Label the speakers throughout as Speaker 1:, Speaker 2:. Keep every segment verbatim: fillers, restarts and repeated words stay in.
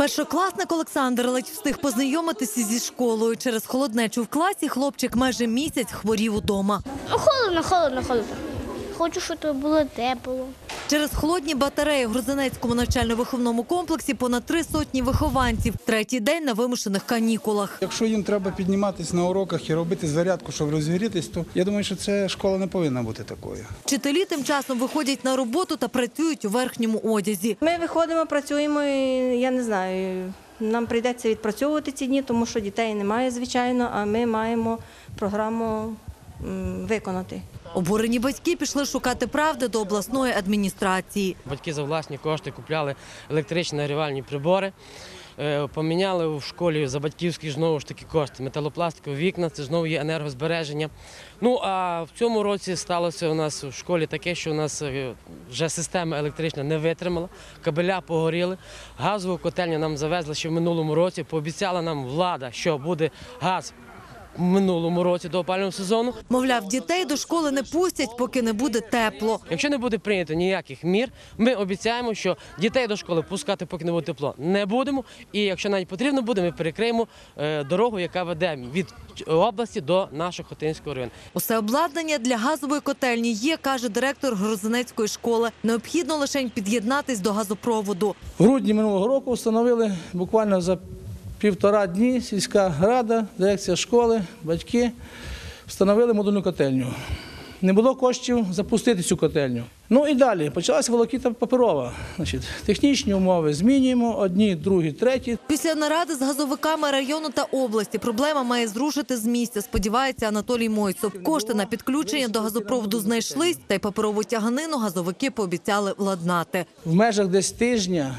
Speaker 1: Першокласник Олександр ледь встиг познайомитися зі школою. Через холоднечу в класі хлопчик майже місяць хворів удома.
Speaker 2: Холодно, холодно, холодно. Хочу, щоб було тепло.
Speaker 1: Через холодні батареї в Грузинецькому навчально-виховному комплексі понад три сотні вихованців. Третій день на вимушених канікулах.
Speaker 3: Якщо їм треба підніматися на уроках і робити зарядку, щоб розігрітись, то я думаю, що це школа не повинна бути такою.
Speaker 1: Вчителі тим часом виходять на роботу та працюють у верхньому одязі.
Speaker 4: Ми виходимо, працюємо, і я не знаю, нам прийдеться відпрацьовувати ці дні, тому що дітей немає, звичайно, а ми маємо програму м, виконати.
Speaker 1: Обурені батьки пішли шукати правди до обласної адміністрації.
Speaker 5: Батьки за власні кошти купляли електричні нагрівальні прибори, поміняли в школі за батьківські знову ж таки кошти. Металопластикові вікна – це знову є енергозбереження. Ну а в цьому році сталося у нас в школі таке, що у нас вже система електрична не витримала, кабеля погоріли, газову котельню нам завезли ще в минулому році, пообіцяла нам влада, що буде газ в минулому році до опалювального сезону.
Speaker 1: Мовляв, дітей до школи не пустять, поки не буде тепло.
Speaker 5: Якщо не буде прийнято ніяких мір, ми обіцяємо, що дітей до школи пускати, поки не буде тепло, не будемо. І якщо навіть потрібно буде, ми перекриємо дорогу, яка веде від області до нашого Хотинського району.
Speaker 1: Усе обладнання для газової котельні є, каже директор Грузинецької школи. Необхідно лише під'єднатись до газопроводу.
Speaker 6: В грудні минулого року встановили буквально за півтора дні сільська рада, дирекція школи, батьки встановили модульну котельню. Не було коштів запустити цю котельню. Ну і далі почалася волокіта паперова. Значить, технічні умови змінюємо, одні, другі, треті.
Speaker 1: Після наради з газовиками району та області проблема має зрушити з місця, сподівається Анатолій Мойцов. Кошти на підключення до газопроводу знайшлись, та й паперову тяганину газовики пообіцяли владнати.
Speaker 6: В межах десь тижня,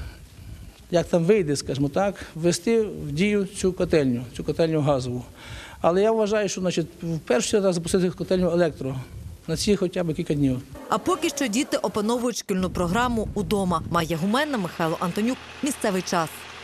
Speaker 6: як там вийде, скажімо так, ввести в дію цю котельню, цю котельню газову. Але я вважаю, що значить, в першу чергу запустити котельню електро на ці хоча б кілька днів.
Speaker 1: А поки що діти опановують шкільну програму удома. Майя Гуменна, Михайло Антонюк. Місцевий час.